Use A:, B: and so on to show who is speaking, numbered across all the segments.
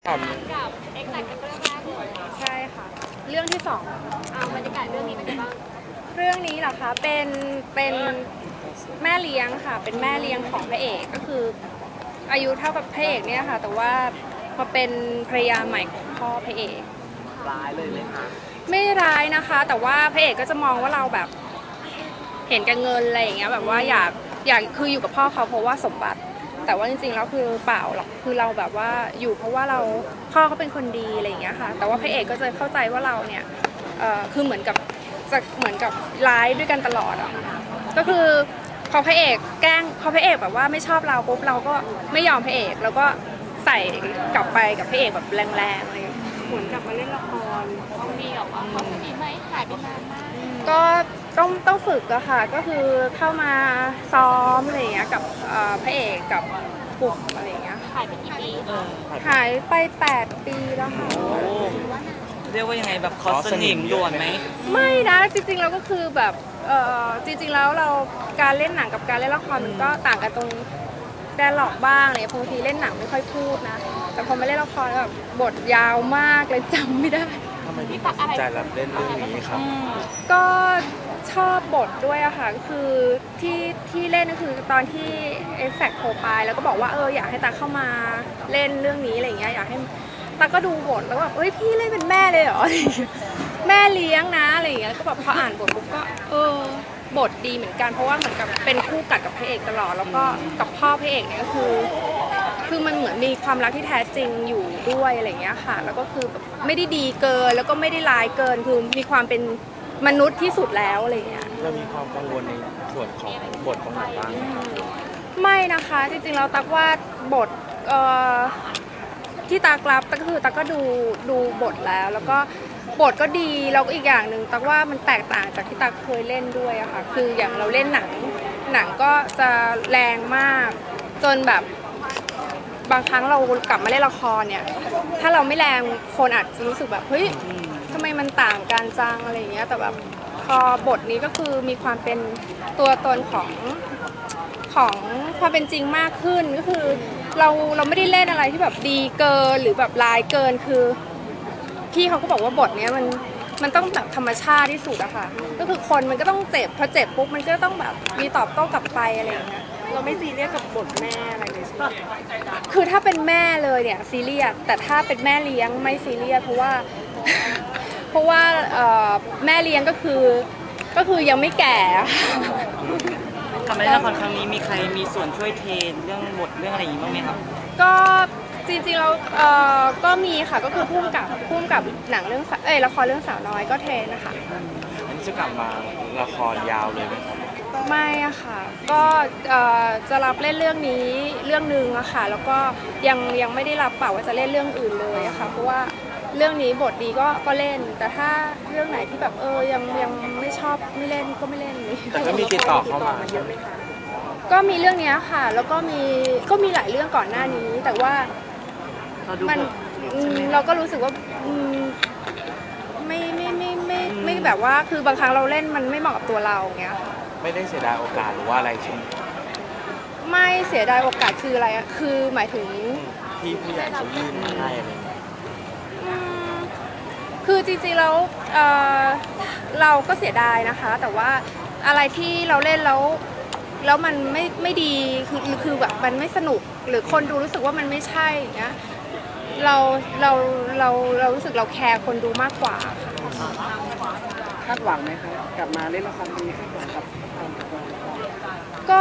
A: กับเอ็กซ์แซกเป็นเรื่องแรกเลย
B: ใช่ค่ะเรื่องที่สอง
A: เอาบรรยากาศเรื่องนี้เป็นยังไงบ้าง
B: เรื่องนี้เหรอคะเป็นแม่เลี้ยงค่ะเป็นแม่เลี้ยงของพระเอกก็คืออายุเท่ากับพระเอกเนี่ยค่ะแต่ว่ามาเป็นภรรยาใหม่ของพ่อพระเอก
C: ร้ายเลยไหมคะ
B: ไม่ร้ายนะคะแต่ว่าพระเอกก็จะมองว่าเราแบบเห็นแก่เงินอะไรอย่างเงี้ยแบบว่าอยากคืออยู่กับพ่อเขาเพราะว่าสมบัติแต่ว่าจริงๆแล้วคือเปล่าหรอกคือเราแบบว่าอยู่เพราะว่าเราพ่อเขาเป็นคนดีอะไรอย่างเงี้ยค่ะแต่ว่าพระเอกก็จะเข้าใจว่าเราเนี่ยคือเหมือนกับร้ายด้วยกันตลอดอ่ะก็คือพอพระเอกแกล้งพอพระเอกแบบว่าไม่ชอบเราปุ๊บเราก็ไม่ยอมพระเอกแล้วก็ใส่กลับไปกับพระเอกแบบแรงๆเลยเหมือนกลับมาเล่นละคร
A: ต้องมีแบบว่าความสนิทไหมหายไปนานมาก
B: ก็ต้องฝึกอะค่ะก็คือเข้ามาซ้อมอะไรอย่างเงี้ยกับพระเอกกับกลุ่มอะไรอย่างเงี้ย
A: หายไปกี่ปี
B: หายไป8 ปีแล้วค่ะ
C: เรียกว่ายังไงแบบคอสนิมด่วนไหม
B: ไม่นะจริงๆเราก็คือแบบจริงๆแล้วเราการเล่นหนังกับการเล่นละครมันก็ต่างกันตรงแดร์ล็อกบ้างเลยบางทีเล่นหนังไม่ค่อยพูดนะแต่พอมาเล่นละครแบบบทยาวมากเลยจำไม่ได้
D: ทำไมพี่ตัดสินใจรับเล่นเรื่องนี้ครับ
B: ก็ชอบบทด้วยอะค่ะก็คือที่เล่นก็คือตอนที่เอ็กแซกโทรไปแล้วก็บอกว่าอยากให้ตาเข้ามาเล่นเรื่องนี้อะไรอย่างเงี้ยอยากให้ตาก็ดูบทแล้วก็แบบพี่เล่นเป็นแม่เลยเหรอแม่เลี้ยงนะอะไรอย่างเงี้ยก็แบบพออ่านบทปุ๊บก็บทดีเหมือนกันเพราะว่าเหมือนกับเป็นคู่กัดกับพระเอกตลอดแล้วก็กับพ่อพระเอกเนี่ยก็คือมันเหมือนมีความรักที่แท้จริงอยู่ด้วยอะไรอย่างเงี้ยค่ะแล้วก็คือแบบไม่ได้ดีเกินแล้วก็ไม่ได้ร้ายเกินคือมีความเป็นมนุษย์ที่สุดแล้วอะไรอย่างเงี้ย
D: เรามีความกังวลในส่วนของบทตรงไหนบ้าง
B: ไม่นะคะจริงๆเราตักว่าบทที่ตักรับก็คือตักก็ดูบทแล้วก็บทก็ดีแล้วก็อีกอย่างหนึ่งตักว่ามันแตกต่างจากที่ตักเคยเล่นด้วยอะค่ะคืออย่างเราเล่นหนังก็จะแรงมากจนแบบบางครั้งเรากลับมาเล่นละครเนี่ยถ้าเราไม่แรงคนอาจจะรู้สึกแบบเฮ้ยทำไมมันต่างกันจังอะไรอย่างเงี้ยแต่แบบพอบทนี้ก็คือมีความเป็นตัวตนของความเป็นจริงมากขึ้นก็คือเราไม่ได้เล่นอะไรที่แบบดีเกินหรือแบบร้ายเกินคือพี่เขาก็บอกว่าบทนี้มันต้องแบบธรรมชาติที่สุดอะค่ะก็คือคนมันก็ต้องเจ็บพอเจ็บปุ๊บมันก็ต้องแบบมีตอบโต้กลับไปอะไรอย่างเงี้ยเราไม่ซีเรียสกับบทแม่อะไรเลยใช่ไหมคือถ้าเป็นแม่เลยเนี่ยซีเรียสแต่ถ้าเป็นแม่เลี้ยงไม่ซีเรียสเพราะว่าแม่เลี้ยงก็คือยังไม่แก่
C: ทำให้ละครครั้งนี้มีใครมีส่วนช่วยเทรนเรื่องบทเรื่องอะไรอย่างนี้บ้างไหมครับ
B: ก็จริงๆเราก็มีค่ะก็คือพุ่มกับหนังเรื่องละครเรื่องสาวน้อยก็เทรนนะคะ
D: อันนี้จะกลับมาละครยาวเลยไหมครับ
B: ไม่อะค่ะก็จะรับเล่นเรื่องนี้เรื่องนึงอะค่ะแล้วก็ยังไม่ได้รับเปล่าว่าจะเล่นเรื่องอื่นเลยอะค่ะเพราะว่าเรื่องนี้บทดีก็เล่นแต่ถ้าเรื่องไหนที่แบบยังไม่ชอบไม่เล่นก็ไม่เล่นเลย
D: แต่ก็มีติดต่อเข้ามา
B: เยอะไหมคะก็มีเรื่องนี้ค่ะแล้วก็มีหลายเรื่องก่อนหน้านี้แต่ว่าเราก็รู้สึกว่าไม่แบบว่าคือบางครั้งเราเล่นมันไม่เหมาะกับตัวเราอย่างเงี้ยค่ะ
D: ไม่ได้เสียดายโอกาสหรือว่าอะไรใช่ไหม
B: ไม่เสียดายโอกาสคืออะไรอะคือหมายถึง
D: ที่ผู้ใหญ่เขายื่นให้อะไร
B: คือจริงๆแล้วเราก็เสียดายนะคะแต่ว่าอะไรที่เราเล่นแล้วมันไม่ดีคือแบบมันไม่สนุกหรือคนดูรู้สึกว่ามันไม่ใช่อย่างเงี้ยเรารู้สึกเราแคร์คนดูมากกว่า
C: คาดหวังไหมคะกลับมาเล่นละครนี้คาดหวังกับ
B: ก็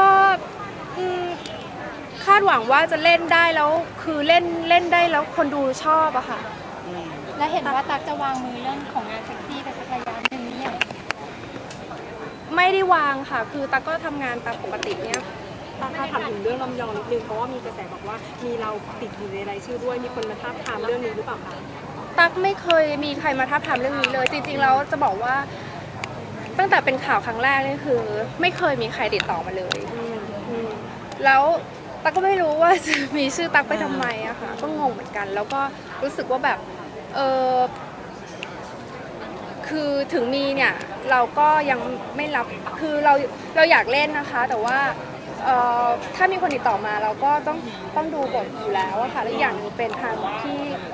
B: คาดหวังว่าจะเล่นได้แล้วคือเล่นได้แล้วคนดูชอบอะค่ะ
A: และเห็นว่าตั๊กจะวางมือเรื่องของงานเซ็กซี่ไปสักระยะหนึ่งเนี่ย
B: ไม่ได้วางค่ะคือตั๊กก็ทำงานตามปกติเนี่ย
E: ถ้าถามถึงเรื่องลำยองนิดนึงเพราะว่ามีกระแสบอกว่ามีเราติดอยู่ในรายชื่อด้วยมีคนมาทาบทามเรื่องนี้หรือเปล่าคะ
B: ตั๊กไม่เคยมีใครมาทาบทามเรื่องนี้เลยจริงๆแล้วจะบอกว่าตั้งแต่เป็นข่าวครั้งแรกนี่คือไม่เคยมีใครติดต่อมาเลยแล้วตั๊กก็ไม่รู้ว่าจะมีชื่อตั๊กไปทำไมอะค่ะก็งงเหมือนกันแล้วก็รู้สึกว่าแบบคือถึงมีเนี่ยเราก็ยังไม่รับคือเราอยากเล่นนะคะแต่ว่าถ้ามีคนติดต่อมาเราก็ต้องดูบทอยู่แล้วอะค่ะและอย่างนึงเป็นทาง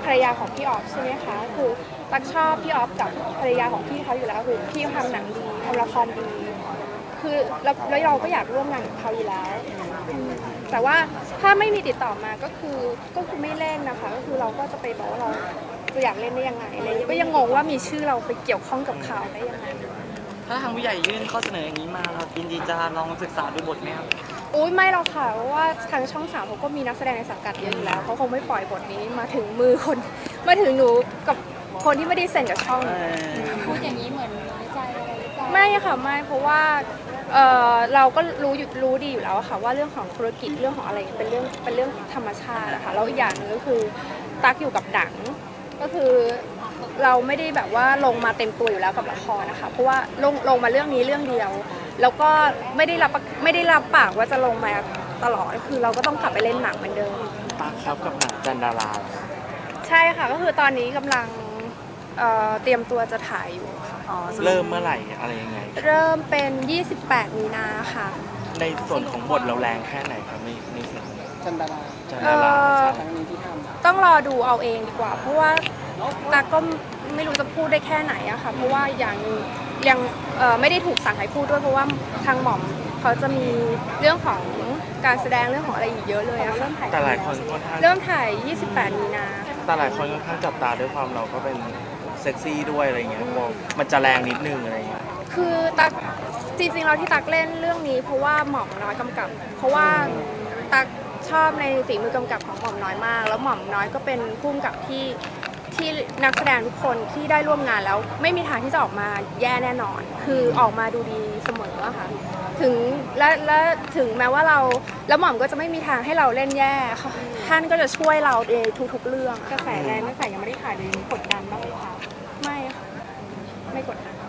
B: ภรรยาของพี่ออฟใช่ไหมคะคือตักชอบพี่ออฟกับภรรยาของพี่เขาอยู่แล้วคือพี่ทำหนังดีทำละครดีคือแล้วเราก็อยากร่วมงานกับเขาอยู่แล้วแต่ว่าถ้าไม่มีติดต่อมาก็คือไม่เล่นนะคะก็คือเราก็จะไปบอกว่าเราจะอยากเล่นได้ยังไงอะไรก็ยังงงว่ามีชื่อเราไปเกี่ยวข้องกับข่าวได้ยังไง
C: ถ้าทางผู้ใหญ่ยื่นข้อเสนออย่างนี้มาเรายินดีจะลองศึกษาดูบทไหมครับ
B: อุ้ยไม่หรอกค่ะเพราะว่าทางช่อง3เขาก็มีนักแสดงในสังกัดเยอะอยู่แล้วเขาคงไม่ปล่อยบทนี้มาถึงมือคนมาถึงหนูกับคนที่ไม่ได้เซ็นกับช่อง
A: พูดอย่างนี้เหมือนน้อยใจอะไรหรือเปล่า
B: ไม่ค่ะไม่เพราะว่าเราก็รู้ดีอยู่แล้วอะค่ะว่าเรื่องของธุรกิจเรื่องของอะไรเป็นเรื่องธรรมชาติอะค่ะแล้วอีกอย่างหนึงก็คือตั๊กอยู่กับหนังก็คือเราไม่ได้แบบว่าลงมาเต็มตัวอยู่แล้วกับละครนะคะเพราะว่าลงมาเรื่องนี้เรื่องเดียวแล้วก็ไม่ได้รับปากว่าจะลงมาตลอดคือเราก็ต้องกลับไปเล่นหนังเหมือนเดิม
D: ตั๊กครับกับหนังจันดารา
B: ใช่ค่ะก็คือตอนนี้กำลังเตรียมตัวจะถ่ายอยู่ค่ะ
D: เริ่มเมื่อไหร่อะไรยังไง
B: เริ่มเป็น 28 มีนาค่ะ
D: ในส่วนของบทเราแรงแค่ไหนครับในส่วนของ
F: จันดารา
D: จันดาราใช่
F: ครั้งนี้ที่ทำ
B: ต้องรอดูเอาเองดีกว่า เพราะว่าตาก็ไม่รู้จะพูดได้แค่ไหนอะค่ะเพราะว่าอย่างยังไม่ได้ถูกสั่งให้พูดด้วยเพราะว่าทางหม่อมเขาจะมีเรื่องของการแสดงเรื่องของอะไรอีกเยอะเลยอะค่ะ
D: แต่หลายคนค่อนข้าง
B: เริ่มถ่าย 28 มีนา
D: แต่หลายคนค่อนข้างจับตาด้วยความเราก็เป็นเซ็กซี่ด้วยอะไรเงี้ยมองมันจะแรงนิดนึงอะไรเงี้ย
B: คือตักจริงๆเราที่ตักเล่นเรื่องนี้เพราะว่าหม่อมน้อยกำกับ เพราะว่าตักชอบในฝีมือกำกับของหม่อมน้อยมาก แล้วหม่อมน้อยก็เป็นผู้กำกับที่นักแสดงทุกคนที่ได้ร่วมงานแล้วไม่มีทางที่จะออกมาแย่แน่นอน คือออกมาดูดีเสมออะค่ะถึงและถึงแม้ว่าเราแล้วหม่อมก็จะไม่มีทางให้เราเล่นแย่ค่ะท่านก็จะช่วยเราในทุกๆเรื่อง
E: กระแสแรงตั้งแต่ยังไม่ได้ถ่ายเลยกดดันบ้างไหมคะ
B: ไม่ค่ะไม่กดดัน